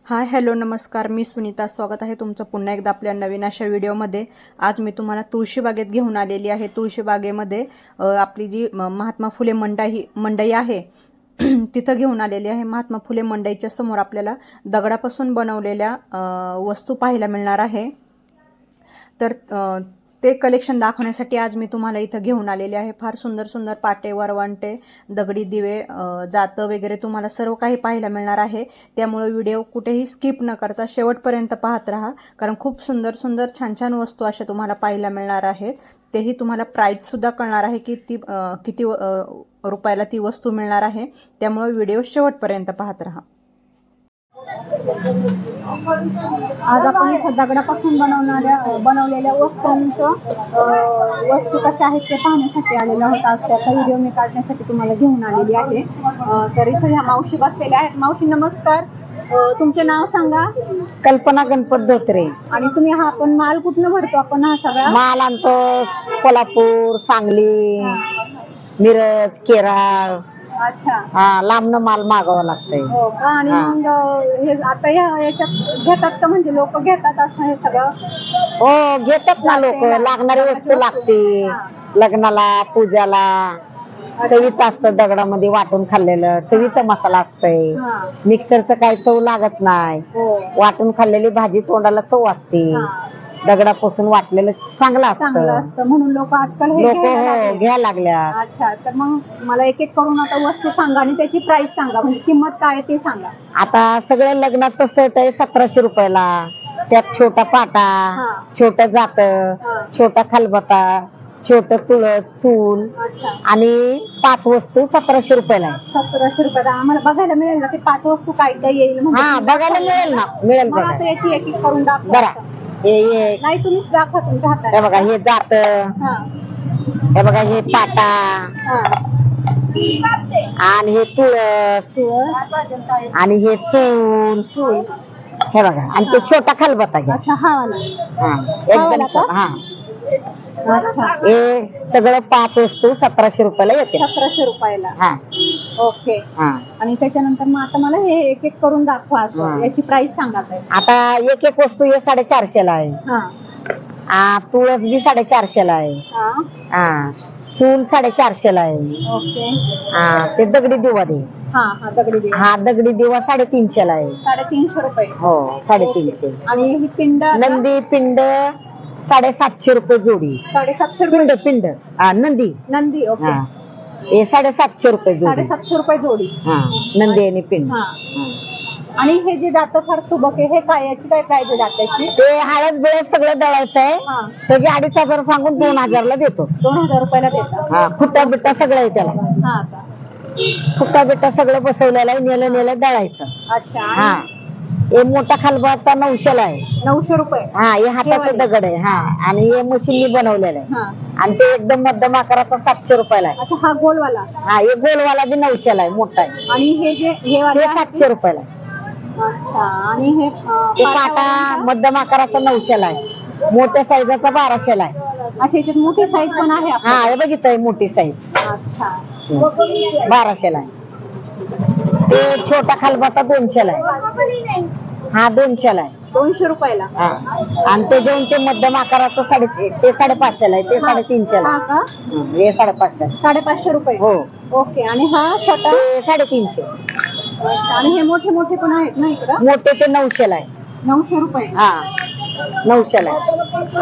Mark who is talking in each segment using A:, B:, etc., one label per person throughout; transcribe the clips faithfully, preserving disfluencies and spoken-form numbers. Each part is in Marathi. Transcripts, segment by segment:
A: हाय हॅलो नमस्कार, मी सुनीता. स्वागत आहे तुमचं पुन्हा एकदा आपल्या नवीन अशा व्हिडिओमध्ये. आज मी तुम्हाला तुळशीबागेत घेऊन आलेली आहे. तुळशीबागेमध्ये आपली जी महात्मा फुले मंडई मंडई आहे तिथं घेऊन आलेली आहे. महात्मा फुले मंडईच्या समोर आपल्याला दगडापासून बनवलेल्या वस्तू पाहायला मिळणार आहे. तर ते कलेक्शन दाखवण्यासाठी आज मी तुम्हाला इथं घेऊन आलेले आहे. फार सुंदर सुंदर पाटे, वरवंटे, दगडी दिवे, जातं वगैरे तुम्हाला सर्व काही पाहायला मिळणार आहे. त्यामुळे व्हिडिओ कुठेही स्किप न करता शेवटपर्यंत पाहत राहा, कारण खूप सुंदर सुंदर छान छान वस्तू अशा तुम्हाला पाहायला मिळणार आहेत. तेही तुम्हाला प्राईससुद्धा कळणार आहे की ती किती रुपयाला ती वस्तू मिळणार आहे. त्यामुळे व्हिडिओ शेवटपर्यंत पाहत राहा.
B: आज आपण इथं दगडापासून बनवणाऱ्या बनवलेल्या वस्तूंचं वस्तू कशा आहेत ते पाहण्यासाठी आलेलो आहोत. आज त्याचा व्हिडिओ मी काढण्यासाठी तुम्हाला घेऊन आलेली आहे. तर इथं ह्या मावशी बसलेल्या आहेत. मावशी नमस्कार, तुमचे नाव सांगा.
C: कल्पना गणपत धोत्रे.
B: आणि तुम्ही हा आपण माल कुठनं भरतो? आपण हा सगळा
C: माल आणतो कोल्हापूर, सांगली, मिरज, केरळ.
B: अच्छा,
C: हा, लांबनं माल मागावा लागतंय.
B: हो का? आणि मग हे आता ह्या याच्यात घेतात का, म्हणजे लोक घेतात असं हे सगळं?
C: हो, घेतात ना लोक. लागणारी वस्तू लागते लग्नाला, पूजाला. चवीचं असतं दगडामध्ये वाटून खाल्लेलं. चवीचा मसाला असतंय. मिक्सरचं काय चव लागत नाही. वाटून खाल्लेली भाजी तोंडाला चव असते. दगडापासून वाटलेलं चांगलं असतं,
B: म्हणून लोक आजकाल
C: लोक हो घ्यायला लागल्या.
B: अच्छा, तर मग मला एक एक करून आता वस्तू सांगा आणि त्याची प्राइस सांगा, म्हणजे किंमत काय ते सांगा.
C: आता सगळं लग्नाचं सेट आहे सतराशे रुपयाला. त्यात छोटा पाटा, छोट जात, छोटा खालबता, छोट तुळस, चूल आणि पाच वस्तू सतराशे रुपयाला आहे.
B: सतराशे रुपयाला आम्हाला बघायला मिळेल ना ते पाच वस्तू काय काय येईल?
C: हा, बघायला मिळेल ना. मिळेल बघा.
B: असं याची एक एक करून दाखवा.
C: बरं, हे
B: नाही तुम्हीच दाखवा तुमच्या हातात.
C: हे बघा, हे जात, हे बघा, हे पाटा आणि हे तुळस आणि हे चूल चूल हे बघा. आणि ते छोटा खालबता घ्या.
B: अच्छा, हा
C: हा, एकदम. हा,
B: अच्छा,
C: हे सगळं पाच वस्तू सतराशे रुपयाला येते.
B: सतराशे रुपयाला.
C: हा,
B: ओके.
C: हा.
B: आणि त्याच्यानंतर मग आता मला हे एक एक करून दाखवा. याची प्राइस सांगा.
C: आता एक एक वस्तू हे साडेचारशे ला आहे. हा, तुळस बी साडेचारशे ला आहे. हा, चूल साडेचारशे ला आहे.
B: ओके.
C: हा, ते दगडी दिवा दे.
B: हा हा दगडी दिवा.
C: हा, दगडी दिवा साडेतीनशे ला आहे.
B: साडेतीनशे रुपये.
C: हो, साडेतीनशे.
B: आणि ही पिंड,
C: नंदी पिंड साडेसातशे रुपये जोडी.
B: साडेसातशे
C: पिंड पिंड हा, नंदी
B: नंदी. ओके.
C: हा, हे साडेसातशे रुपये जोडी.
B: साडेसातशे रुपये जोडी.
C: हा, नंदी आणि पिंड.
B: आणि हे जे जातं फार सुबक आहे, हे काय, याची काय प्राइस आहे जात्याची?
C: ते हळद बिळद सगळं दळायचं आहे. त्याचे अडीच हजार सांगून दोन हजारला देतो.
B: दोन हजार रुपयाला देतात.
C: हा, खुट्टा बिट्टा सगळं आहे त्याला.
B: हा का?
C: खुट्टा बिट्टा सगळं बसवलेलं आहे. नेलं नेलं दळायचं.
B: अच्छा.
C: हा, हे मोठा खालबता नऊशे ला आहे.
B: नऊशे रुपये.
C: हा, हे हाताचं दगड आहे. हा, आणि हे मशीननी बनवलेलं आहे. आणि ते एकदम मध्यम आकाराचा सातशे रुपयाला आहे.
B: अच्छा, हा गोलवाला.
C: हा, हे गोलवाला बी नऊशे ला आहे. मोठा आहे.
B: आणि हे जे हे वाला
C: सातशे रुपयाला आहे.
B: अच्छा. आणि हे
C: पाटा मध्यम आकाराचा नऊशे ला आहे. मोठ्या साईजाचा बाराशे ला आहे.
B: अच्छा, याच्यात मोठी साईज पण आहे.
C: हा, हे बघितलंय मोठी साईज.
B: अच्छा,
C: बाराशे ला आहे. ते छोटा खालबता दोनशे ला आहे. हा, दोनशे ला आहे.
B: दोनशे रुपयाला.
C: हा, आणि ते जेवण ते मध्यम आकाराचं साडे ते साडेपाचशे ला आहे. ते साडेतीनशे ला आहे. हे साडेपाचशे
B: साडेपाचशे रुपये.
C: हो.
B: ओके. आणि हा छोटा
C: ते साडेतीनशे.
B: आणि हे मोठे मोठे पण आहेत ना इकडं?
C: मोठे ते नऊशे ला आहे.
B: नऊशे रुपये.
C: हा, नऊशे ला आहे.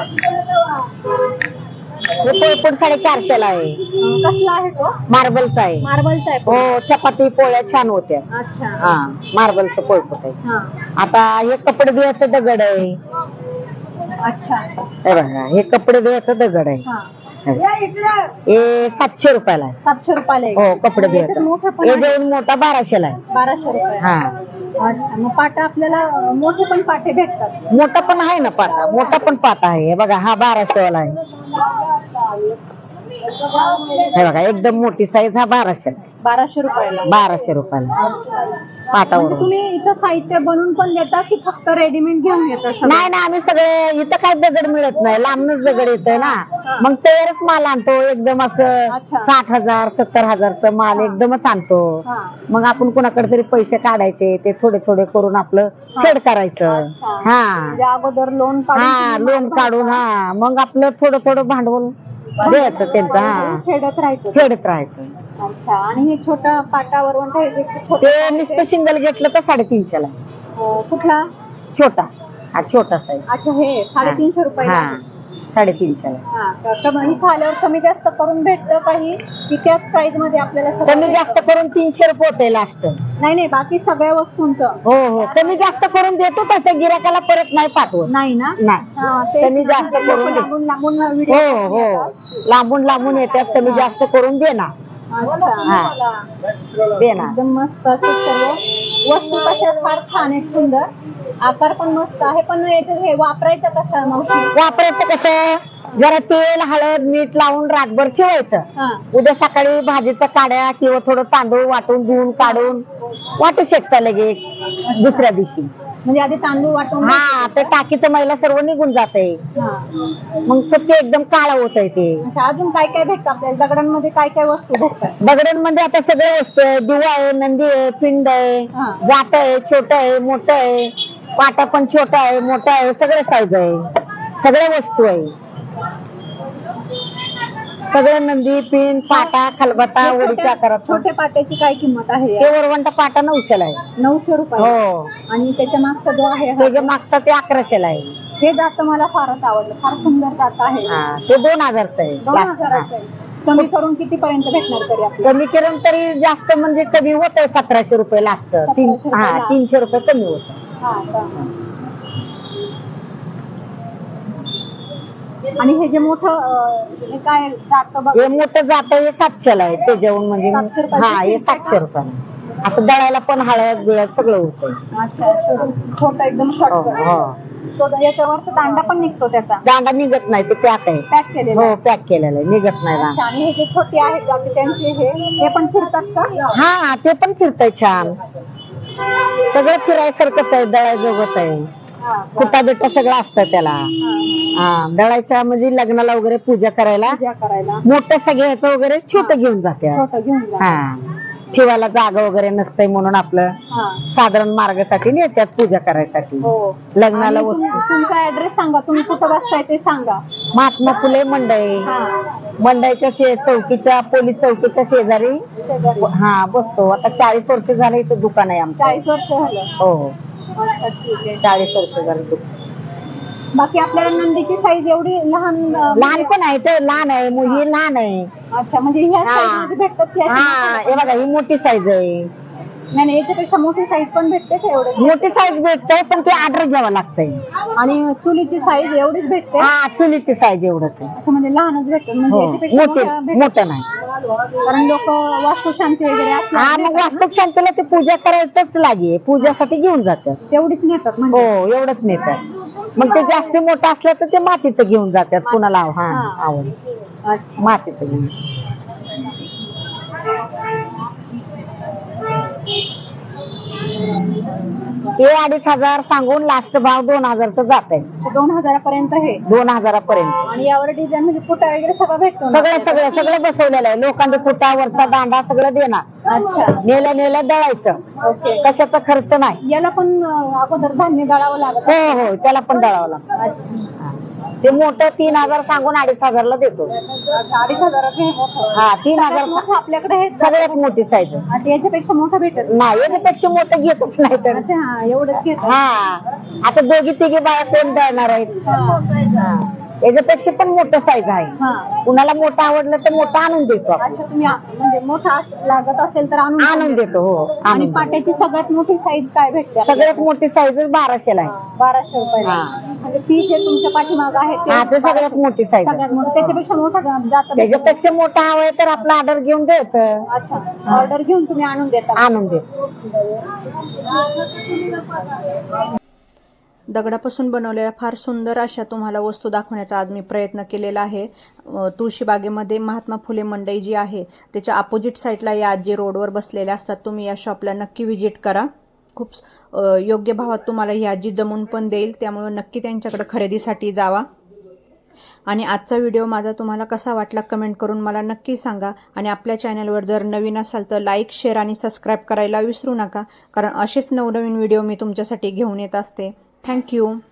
C: हे पोळपूट साडेचारशे ला आहे.
B: कसला आहे तो?
C: मार्बलचा आहे.
B: मार्बलचा आहे.
C: हो, चपाती पोळ्या छान होत्या.
B: अच्छा.
C: हा, मार्बलचं पोळपूट आहे. आता हे कपडे धुवायचं दगड आहे.
B: अच्छा.
C: हे बघा, हे कपडे धुवायचं दगड आहे. हे सातशे रुपयाला आहे.
B: सातशे रुपयाला.
C: हो, कपडे धुवायचं. हे जेवण मोठा बाराशे ला आहे.
B: बाराशे रुपये.
C: हा.
B: अच्छा, मग पाटा आपल्याला मोठे पण पाटे भेटतात?
C: मोठा पण आहे ना पाटा. मोठा पण पाटा आहे. हे बघा, हा बाराशे वाला आहे. हे बघा, एकदम मोठी साईज. हा बाराशे ला आहे.
B: बाराशे रुपयाला.
C: बाराशे रुपयाला पाटावर.
B: तुम्ही इथं साहित्य बनवून पण देता की फक्त रेडीमेड घेऊन येता?
C: नाही ना, आम्ही सगळे इथं काय दगड मिळत नाही. लांबनच दगड येतोय ना. मग त्यावेळेस माल आणतो एकदम असं
B: अच्छा.
C: साठ हजार सत्तर हजारचं माल एकदमच आणतो.
B: हा.
C: मग आपण कुणाकडे तरी पैसे काढायचे ते थोडे थोडे करून आपलं फेड करायचं.
B: अच्छा.
C: हा
B: म्हणजे अगोदर लोन काढून
C: हा
B: तुम्ही
C: लोन
B: माल
C: काढून
B: भरता.
C: हा मग आपलं थोडं थोडं भांडवल द्यायचं त्यांचं. हा
B: फेडत राहायचं.
C: फेडत राहायचं.
B: अच्छा. आणि हे छोटा पाटावर हे जे छोटे
C: ते
B: आहे
C: नुसतं
B: ते,
C: शिंगल घेतलं तर साडेतीनशेला
B: अं, कुठला?
C: छोटा. हा छोटा साईज.
B: अच्छा, हे साडेतीनशे रुपये.
C: हा साडेतीनशेला.
B: हा तर कमी- इथं आल्यावर कमी जास्त करून भेटतं काही की त्याच प्राइस मध्ये आपल्याला सगळं
C: कमी जास्त
B: भेटतं?
C: करून तीनशे रुपये होते लास्ट.
B: नाही नाही, बाकी सगळ्या वस्तूंचं
C: हो हो कमी जास्त करून देतो तसं गिराकाला परत नाही पाठवत.
B: नाही ना?
C: नाही
B: हा, तेच
C: कमी
B: ना,
C: जास्त
B: म्हणजे
C: करून
B: लोकं
C: दे.
B: लांबून लांबून व्हिडिओ
C: हो हो लांबून लांबून येतात कमी जास्त करून देणार.
B: अच्छा.
C: हा देणार.
B: एकदम मस्त असं सर्व वस्तू कशा फार छान आहेत, सुंदर आकार पण मस्त आहे. पण याच्यात हे वापरायचं कसं मावशी?
C: वापरायचं कसं जरा तेल हळद मीठ लावून रातभर ठेवायचं.
B: हा.
C: उद्या सकाळी भाजीच्या काड्या किंवा थोडं तांदूळ वाटून धुवून काढून वाटू शकता लगेच दुसऱ्या दिवशी.
B: म्हणजे आधी तांदूळ वाटून
C: हा ते टाकीचं मैला सर्व निघून जाते.
B: हा.
C: मग स्वच्छ एकदम काळा होत आहे ते.
B: अच्छा, अजून काय काय भेटतं आपल्याला दगडांमध्ये? काय काय वस्तू भेटतात?
C: दगडांमध्ये आता सगळे वस्तू आहे. दिवा आहे नंदी आहे पिंड आहे
B: हा.
C: जात आहे छोट आहे मोठं आहे पाटा पण छोटा आहे मोठा आहे सगळे साईज आहे सगळ्या वस्तू आहे. सगळे नंदी पिंड पाटा खलबत्ता
B: हे
C: ओढीच्या
B: छोट्या-
C: आकारात.
B: छोट्या पाट्याची काय किंमत आहे?
C: ते वरवंटा पाटा नऊशेला आहे.
B: नऊशे रुपये.
C: हो
B: आणि त्याच्या मागचा जो आहे हा,
C: त्याच्या मागचा ते अकराशेला आहे.
B: हे जात मला फारच आवडलं, फार सुंदर जात आहे.
C: हा ते दोन हजारचं आहे
B: दोन
C: लास्ट.
B: हजाराचं आहे. कमी करून किती पर्यंत भेटणार तरी आपल्याला?
C: कमी करून तरी जास्त म्हणजे कमी होत आहे सतराशे रुपये लास्ट. तीन
B: सतराशे
C: हा
B: रुपये
C: तीनशे रुपये कमी होत.
B: हा का? आणि हे जे मोठं अं, हे काय जात बघ,
C: हे मोठं जात हे सातशेला आहे ते जेवण म्हणजे
B: सातशे रुपयाचं
C: हा हे
B: पीठ आहे
C: सातशे
B: का?
C: रुपयाला असं दळायला पण हळद बिळद सगळं होतंय.
B: अच्छा, छोटा एकदम
C: हो
B: शॉर्टकट.
C: हो
B: तो याच्यावरचा दांडा पण निघतो त्याचा,
C: दांडा निघत नाही ते पॅक आहे.
B: पॅक केलेला.
C: हो पॅक केलेलं आहे निघत नाही
B: अच्छा.
C: दांडा.
B: आणि हे जे छोटे आहेत जाते त्यांचे हे हे पण फिरतात का?
C: हा ते पण फिरतय छान सगळं फिरायसारखंच आहे दळायजोगच आहे.
B: हा.
C: कुटा बिटा सगळं असतं त्याला.
B: हा.
C: हा दळायच्या म्हणजे लग्नाला वगैरे पूजा करायला
B: पूजा करायला
C: मोठं सगळ्याचं वगैरे छोटं घेऊन जाते.
B: छोटं घेऊन जा.
C: हा ठेवायला जागा वगैरे नसतंय म्हणून आपलं
B: हा.
C: साधारण मार्गासाठी नेत्यात पूजा करायसाठी.
B: हो.
C: लग्नाला
B: आणि
C: वस्तू
B: तुम- तुमचा ऍड्रेस सांगा, तुम्ही कुठं बसताय ते सांगा.
C: महात्मा फुले मंडई
B: हा.
C: मंडईच्या शे चौकीच्या पोलीस चौकीच्या शेजारी
B: शेजारी.
C: हा बसतो. आता चाळीस वर्ष झाले इथं दुकान आहे आमचं.
B: चाळीस वर्ष झालं.
C: हो
B: अच्छा, ठीक आहे.
C: चाळीस वर्ष झाले दुकान.
B: बाकी आपल्याला नंदीची साईज एवढी लहान अं,
C: लहान पण आहे तर लहान आहे मुली लहान आहे.
B: अच्छा, म्हणजे ह्या
C: हा.
B: साईज मध्ये भेटतात की अशी
C: हा
B: मोठी?
C: हे बघा ही मोठी साईज आहे.
B: नाही नाही, याच्यापेक्षा मोठी साईज पण भेटते का एवढे?
C: मोठी साईज भेटते पण ते ऑर्डर घ्यावं लागतंय.
B: आणि चुलीची साईज एवढीच भेटते?
C: हा चुलीची साईज एवढंच आहे.
B: अच्छा, म्हणजे लहानच भेटते म्हणजे
C: हो
B: याच्यापेक्षा
C: मोठे
B: मोठ्या भेटत-
C: मोठं नाही.
B: कारण लोक वास्तुशांती वगैरे
C: हा
B: असल्यावर
C: मग वास्तुक शांतीला ते पूजा करायचंच लागे पूजासाठी घेऊन जातात.
B: तेवढीच नेतात
C: हो
B: म्हणजे.
C: एवढंच नेतात. मग ते जास्त मोठं असलं तर ते मातीचं घेऊन जातात कुणाला हा
B: हा.
C: आवड
B: अच्छा.
C: मातीचं घेऊन. हे अडीच हजार सांगून लास्ट भाव दोन हजारचा जात आहे.
B: दोन हजारापर्यंत हे.
C: दोन हजारापर्यंत
B: आणि यावर डिझाईन म्हणजे कुठं वगैरे सगळं भेटतो ना?
C: सगळं सगळं सगळं बसवलेलं आहे. लोखंडी कुटा वरचा दांडा सगळं देणार.
B: अच्छा.
C: नेल्या नेल्या दळायचं
B: ओके.
C: कशाचा खर्च नाही.
B: याला पण अं, अगोदर धान्य दळावं लागत.
C: हो हो त्याला पण दळावं लागतं.
B: अच्छा.
C: ते मोठं तीन हजार सांगून अडीच हजारला देतो.
B: अच्छा, अडीच हजाराचं हे मोठं.
C: हा तीन
B: सगळ्यात
C: हजार
B: मोठं आपल्याकडे हे
C: सगळ्यात मोठी साईज आहे.
B: अच्छा, याच्यापेक्षा मोठं भेटत नाही.
C: नाही याच्यापेक्षा मोठं घेतच नाही तर.
B: अच्छा, हा एवढंच घेतात.
C: हा आता दोघी तिघी बाया कोण दळणार आहेत. हा. याच्यापेक्षा पण मोठं साईज आहे.
B: हा.
C: कुणाला मोठं आवडलं तर मोठं आणून देतो आपण.
B: अच्छा, तुम्ही आ- म्हणजे मोठा अस- लागत असेल तर आणून
C: आणून देतो हो
B: आणि
C: आणून देतो.
B: पाट्याची सगळ्यात मोठी साईज काय भेटते?
C: सगळ्यात मोठी साईज बाराशेला आहे.
B: बाराशे रुपये.
C: हा.
B: म्हणजे ती जे तुमच्या पाठीमाग आहे ते
C: हा ते सगळ्यात मोठी साईज आहे.
B: सगळ्यात मोठं. त्याच्यापेक्षा मोठा जात.
C: त्याच्यापेक्षा मोठा हवाय तर आपला ऑर्डर घेऊन द्यायचं.
B: अच्छा, ऑर्डर घेऊन तुम्ही आणून देता.
C: आणून देतो.
A: दगडापासून बनवलेल्या फार सुंदर अशा तुम्हाला वस्तू दाखवण्याचा आज मी प्रयत्न केलेला आहे. अ, तुळशीबागेमध्ये महात्मा फुले मंडई जी आहे त्याच्या अपोजिट साईडला या आजी रोडवर बसलेल्या असतात. तुम्ही या शॉपला नक्की व्हिजिट करा. खूप अ, योग्य भावात तुम्हाला ही आजी जमून पण देईल, त्यामुळे नक्की त्यांच्याकडे खरेदीसाठी जावा. आणि आजचा व्हिडिओ माझा तुम्हाला कसा वाटला कमेंट करून मला नक्की सांगा. आणि आपल्या चॅनलवर जर नवीन असाल तर लाईक, शेअर आणि सबस्क्राईब करायला विसरू नका, कारण असेच नवनवीन व्हिडिओ मी तुमच्यासाठी घेऊन येत असते. थँक्यू.